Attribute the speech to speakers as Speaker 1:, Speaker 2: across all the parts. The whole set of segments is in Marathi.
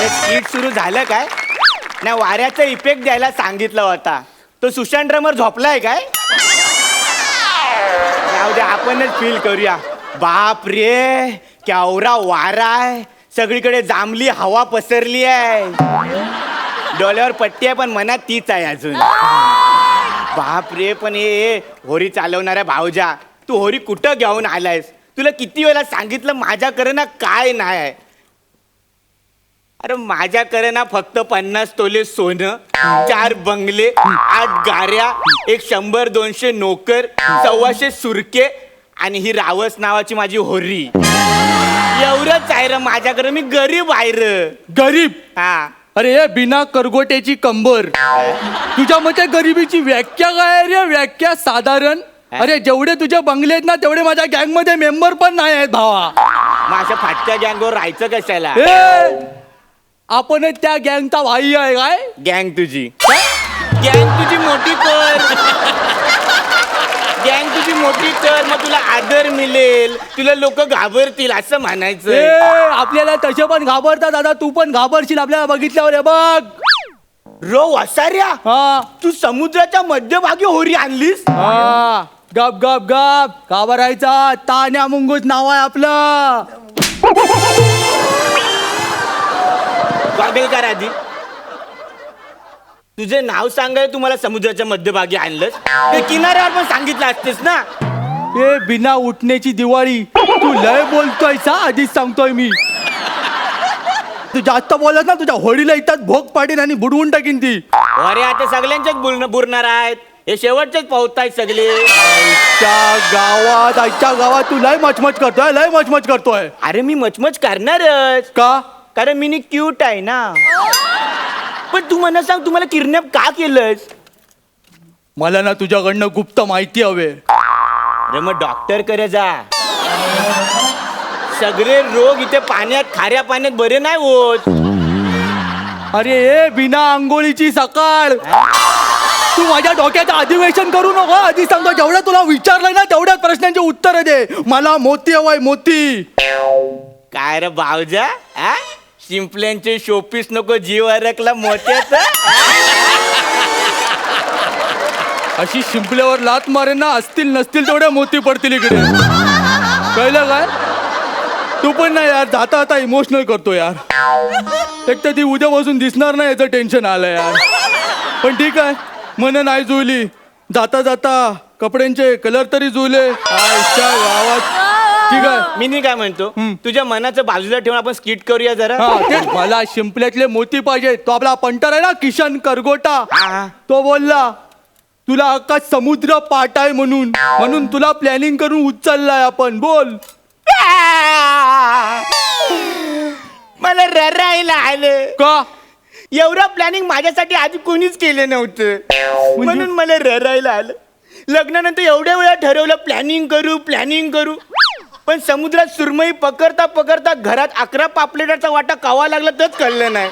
Speaker 1: स्किट सुरू झालं काय नाही वाऱ्याचा इफेक्ट द्यायला सांगितला होता तो सुशांत ड्रमर झोपलाय काय जाऊ दे आपणच फील करूया बाप रे केवढा वारा आहे सगळीकडे जांभली हवा पसरली आहे डोळ्यावर पट्टी आहे पण मनात तीच आहे अजून बाप रे पण हे होरी चालवणाऱ्या भाऊजा तू होरी कुठं घेऊन आलायस तुला किती वेळा सांगितलं माझ्याकडे ना काय नाही आहे अरे माझ्याकडे ना फक्त 50 तोले सोनं 4 बंगले 8 गाऱ्या 100-200 नोकर 125 सुरके आणि ही रावस नावाची माझी होरी एवढंच आहे रे माझ्याकडे मी गरीब आहे रे
Speaker 2: गरीब
Speaker 1: हा
Speaker 2: अरे बिना करगोट्याची कंबर तुझ्या मते गरिबीची व्याख्या काय रे व्याख्या साधारण अरे जेवढे तुझे बंगले आहेत ना तेवढे माझ्या गँग मध्ये मेंबर पण नाही आहेत भावा
Speaker 1: मग अशा फाटक्या गँगवर राहायचं कशाला
Speaker 2: आपण त्या गँगचा भाई आहे काय
Speaker 1: गँग तुझी मोठी कर गँग तुझी मोठी कर मग तुला आदर मिळेल तुला लोक घाबरतील असं म्हणायचं
Speaker 2: आपल्याला तसे पण घाबरतात दादा तू पण घाबरशील आपल्याला बघितल्यावर हे बघ
Speaker 1: रो वसाऱ्या
Speaker 2: हा
Speaker 1: तू समुद्राच्या मध्यभागी होरी आणलीस
Speaker 2: हा गप गप गप घाबरायचा तान्या मुंगूस नाव आहे आपलं
Speaker 1: गॉगल कर आधी तुझे नाव सांगाय तुम्हाला समुद्राच्या मध्यभागी आणलंस ते किनाऱ्यावर पण सांगितलं असतेस ना
Speaker 2: ए बिना उठण्याची दिवाळी तू लय बोलतोय सा आधीच सांगतोय मी तू जास्त बोलत ना तुझ्या होळीला इथं भोग पाडीन आणि बुडवून टाकीन ती
Speaker 1: अरे आता सगळ्यांच्याच बुरणार आहेत हे शेवटचेच पावतायत सगळे
Speaker 2: आजच्या गावात तू लय मचमच करतोय
Speaker 1: अरे मी मचमच करणारच
Speaker 2: का
Speaker 1: कारण मी क्यूट आहे ना पण तू मला सांग तुम्हाला किडनॅप का केलंस
Speaker 2: मला ना तुझ्याकडनं गुप्त माहिती हवे
Speaker 1: अरे मग डॉक्टर करे जा सगळे रोग इथे पाण्यात खाऱ्या पाण्यात बरे नाही होत
Speaker 2: अरे ए बिना आंघोळीची सकाळ तू माझ्या डोक्याचं अधिवेशन करू नको आधी सांगतो जेवढं तुला विचारलंय ना तेवढ्याच प्रश्नांची उत्तर दे मला मोती हवाय मोती
Speaker 1: काय रे भावजा शिंपल्यांचे शोपीस नको जीव अरकला मोत्याचा
Speaker 2: अशी शिंपल्यावर लात मारेन ना असतील नसतील तेवढ्या मोती पडतील इकडे कळलं काय तू पण नाही यार जाता आता इमोशनल करतो यार एक तर ती उद्यापासून दिसणार नाही याचं टेन्शन आलं यार पण ठीक आहे मन नाही जुळली जाता जाता कपड्यांचे कलर तरी जुळले आजच्या गावात ठीक आहे
Speaker 1: मी नाही काय म्हणतो तुझ्या मनाचं बाजूला ठेवून आपण स्किट करूया जरा
Speaker 2: तेच मला शिंपल्यातले मोती पाहिजे तो आपला पंटर आहे ना किशन करगोटा तो बोलला तुला अख्खा समुद्र पाठ आहे म्हणून तुला प्लॅनिंग करून उचललाय आपण बोल
Speaker 1: मला ररायला आलं
Speaker 2: का
Speaker 1: एवढं प्लॅनिंग माझ्यासाठी आधी कोणीच केलं नव्हतं म्हणून मला ररायला आलं लग्नानंतर एवढ्या वेळा ठरवलं प्लॅनिंग करू पण समुद्रात सुरमई पकडता घरात 11 पापलेटाचा वाटा कावा लागला तरच कळलं नाही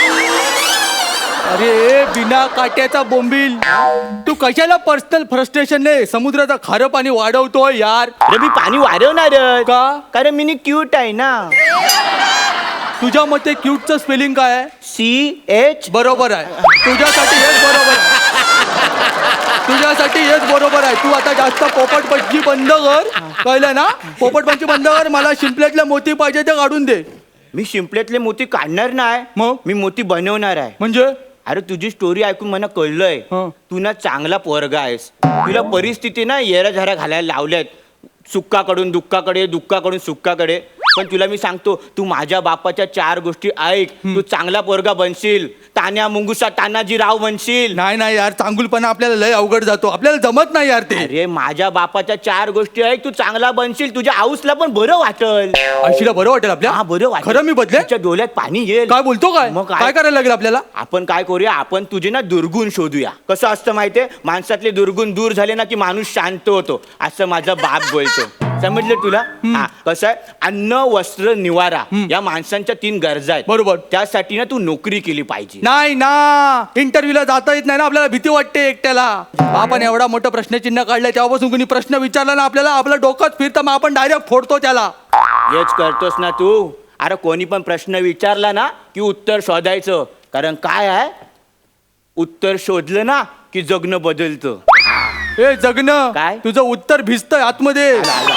Speaker 2: अरे बिना काट्याचा बोंबील तू कशाला पर्सनल फ्रस्ट्रेशन ने समुद्राचं खारं पाणी वाढवतोय यार
Speaker 1: अरे मी पाणी वाढवणार
Speaker 2: का
Speaker 1: कारण मी क्यूट आहे ना
Speaker 2: तुझ्या मते क्यूटचं स्पेलिंग काय आहे
Speaker 1: CH
Speaker 2: बरोबर आहे तुझ्यासाठी हेच बरोबर आहे तुझ्यासाठी हेच बरोबर आहे तू आता जास्त पोपटपंची बंद कर कळलं ना पोपटपंची बंद कर मला शिंपल्यातले मोती पाहिजे ते काढून दे
Speaker 1: मी शिंपल्यातले मोती काढणार नाही
Speaker 2: मग
Speaker 1: मी मोती बनवणार आहे
Speaker 2: म्हणजे
Speaker 1: अरे तुझी स्टोरी ऐकून मला कळलंय तू ना चांगला पोरगा आहेस तुला परिस्थिती ना येराझारा घालायला लावल्यात सुक्काकडून दुःखाकडे दुःखाकडून सुक्काकडे पण तुला मी सांगतो तू माझ्या बापाच्या 4 गोष्टी ऐक तू चांगला पोरगा बनशील तान्या मुंगुसा तानाजी राव बनशील
Speaker 2: नाही यार चांगुलपणा आपल्याला लय अवघड जातो आपल्याला जमत नाही यार ते
Speaker 1: अरे माझ्या बापाच्या 4 गोष्टी ऐक तू चांगला बनशील तुझ्या आऊसला पण बरं वाटेल
Speaker 2: आईशीला बरं वाटेल आपल्या
Speaker 1: हा बरं वाटेल
Speaker 2: खरं मी बदले
Speaker 1: तुझ्या डोळ्यात पाणी येईल
Speaker 2: काय बोलतो काय
Speaker 1: मग
Speaker 2: काय करायला लागेल आपल्याला
Speaker 1: आपण काय करूया आपण तुझे ना दुर्गुण शोधूया कसं असतं माहितीये माणसातले दुर्गुण दूर झाले ना की माणूस शांत होतो असं माझा बाप बोलतो समजलं तुला हा कसं आहे अन्न वस्त्र निवारा या माणसांच्या 3 गरजा आहेत
Speaker 2: बरोबर
Speaker 1: त्यासाठी ना तू नोकरी केली पाहिजे
Speaker 2: नाही ना इंटरव्ह्यूला जाता येत नाही ना आपल्याला भीती वाटते एकट्याला आपण एवढा मोठं प्रश्नचिन्ह काढलंय तेव्हापासून कोणी प्रश्न विचारला ना आपल्याला आपलं डोकंच फिरतं मग आपण डायरेक्ट फोडतो त्याला
Speaker 1: हेच करतोस ना तू अरे कोणी पण प्रश्न विचारला ना की उत्तर शोधायचं, कारण काय आहे, उत्तर शोधलं ना की जगणं बदलतं.
Speaker 2: ए जगणं
Speaker 1: काय?
Speaker 2: तुझं उत्तर भिजतंय आतमध्ये.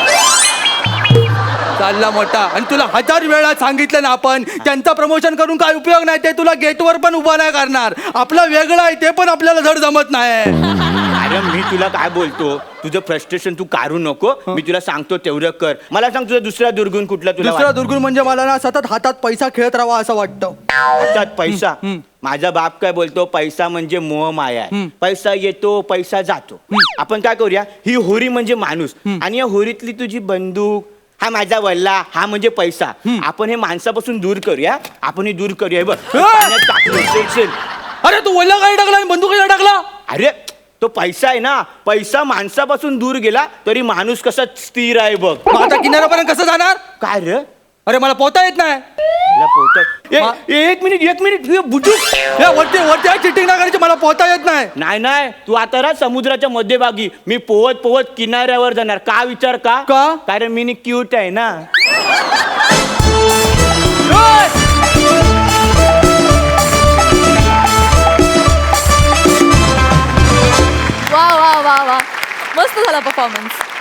Speaker 2: चालला मोठा. आणि तुला 1000 वेळा सांगितलं ना आपण, त्यांचा प्रमोशन करून काय उपयोग नाही, ते तुला गेटवर पण उभा नाही करणार. आपलं वेगळं आहे ते पण आपल्याला धड जमत नाही.
Speaker 1: अरे मी तुला काय बोलतो, तुझं फ्रस्ट्रेशन तू काढू नको, मी तुला सांगतो तेवढं कर. मला सांग तुझा दुसरा दुर्गुण कुठला तुला
Speaker 2: दुसरा दुर्गुण म्हणजे मला ना सतत हातात पैसा खेळत राहावा असं वाटतं.
Speaker 1: हातात पैसा. माझा बाप काय बोलतो, पैसा म्हणजे मोह माया आहे. पैसा येतो पैसा जातो. आपण काय करूया, ही होरी म्हणजे माणूस, आणि या होरीतली तुझी बंदूक, हा माझा वल्ला, हा म्हणजे पैसा. आपण हे माणसापासून दूर करूया, आपण हे दूर करूया. हे बघ पाण्यात टाकलं, उचलशील.
Speaker 2: अरे तू वल्ला काय टाकला आणि बंदूक काय टाकला?
Speaker 1: अरे तो पैसा आहे ना, पैसा माणसापासून दूर गेला तरी माणूस कसा स्थिर आहे बघ.
Speaker 2: मग आता किनाऱ्यापर्यंत कसं जाणार?
Speaker 1: काय रे,
Speaker 2: अरे मला पोहता येत नाही.
Speaker 1: तुला पोहता- एक मिनिट हे बुजूक.
Speaker 2: ए, वरती वरती आहे, चिटिंग नाही करायची, मला पोहता येत नाही.
Speaker 1: नाही तू आता राह समुद्राच्या मध्यभागी, मी पोहत पोहत किनाऱ्यावर जाणार. का विचार का?
Speaker 2: का?
Speaker 1: कारण मी क्यूट आहे ना.
Speaker 3: वा वा वा वा, मस्त झाला परफॉर्मन्स.